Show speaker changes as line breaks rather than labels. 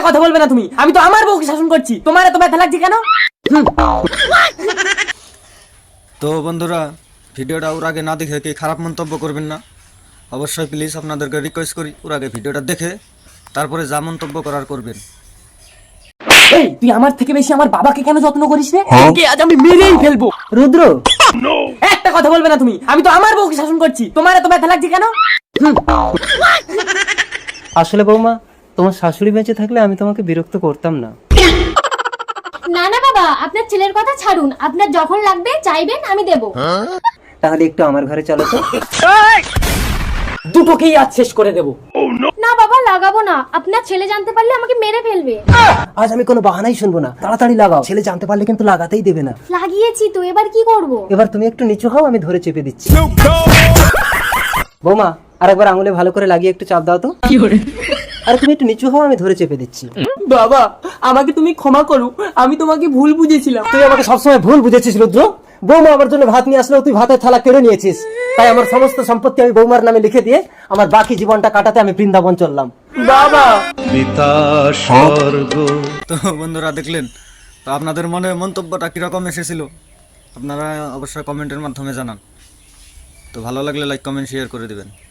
কথা বলবে না তুমি, আমি তো আমার বউকে শাসন করছি, তোমার এত ব্যথা লাগছে কেন?
তো বন্ধুরা, ভিডিওটা ওর আগে না দেখে কি খারাপ মন্তব্য করবেন না। অবশ্যই প্লিজ আপনাদেরকে রিকোয়েস্ট করি ওর আগে ভিডিওটা দেখে তারপরে যা মন্তব্য করার করবেন।
এই তুই আমার থেকে বেশি আমার বাবাকে কেন যত্ন করিস রে? তোকে আজ আমি মেরেই ফেলবো। রুদ্র, একটা কথা বলবে না তুমি, আমি তো আমার বউকে শাসন করছি, তোমার এত ব্যথা লাগছে কেন?
আসলে বৌমা, তোমার শাশুড়ি বেঁচে থাকলে আমি তোমাকে বিরক্ত করতাম না।
না না বাবা, আপনার ছেলের কথা ছাড়ুন, আপনার যখন লাগবে চাইবেন আমি দেব।
তাহলে একটু আমার ঘরে চলো তো।
দুটোকেই আজ শেষ করে দেবো।
না বাবা, লাগাবো না, আপনার ছেলে জানতে পারলে আমাকে মেরে ফেলবে।
আজ আমি কোনো বাহানাই শুনবো না, তাড়াতাড়ি লাগাও, ছেলে জানতে পারলে কিন্তু লাগাতেই দেবে না।
লাগিয়েছি তো, এবার কি করব?
এবার তুমি একটু নিচু হও, আমি ধরে চেপে দিচ্ছি। বৌমা, আরেকবার আঙুলে ভালো করে লাগিয়ে একটু চাপ দাও তো। আরে তুমি একটু নিচু হও, আমি ধরে চেপে দিচ্ছি।
বাবা, আমাকে তুমি ক্ষমা করো, আমি তোমাকে ভুল বুঝেছিলাম।
তুই আমাকে সবসময় ভুল বুঝেছিস রুদ্র। বৌমা আমার জন্য ভাত নিয়ে আসলেও তুই ভাতের থালা কেড়ে নিয়েছিস, তাই আমার সমস্ত সম্পত্তি আমি বৌমার নামে লিখে দিয়ে আমার বাকি জীবনটা কাটাতে আমি বৃন্দাবন চললাম।
বাবা,
তো বন্ধুরা দেখলেন, তো আপনাদের মনে মন্তব্যটা কীরকম এসেছিল আপনারা অবশ্যই কমেন্টের মাধ্যমে জানান। তো ভালো লাগলে লাইক কমেন্ট শেয়ার করে দেবেন।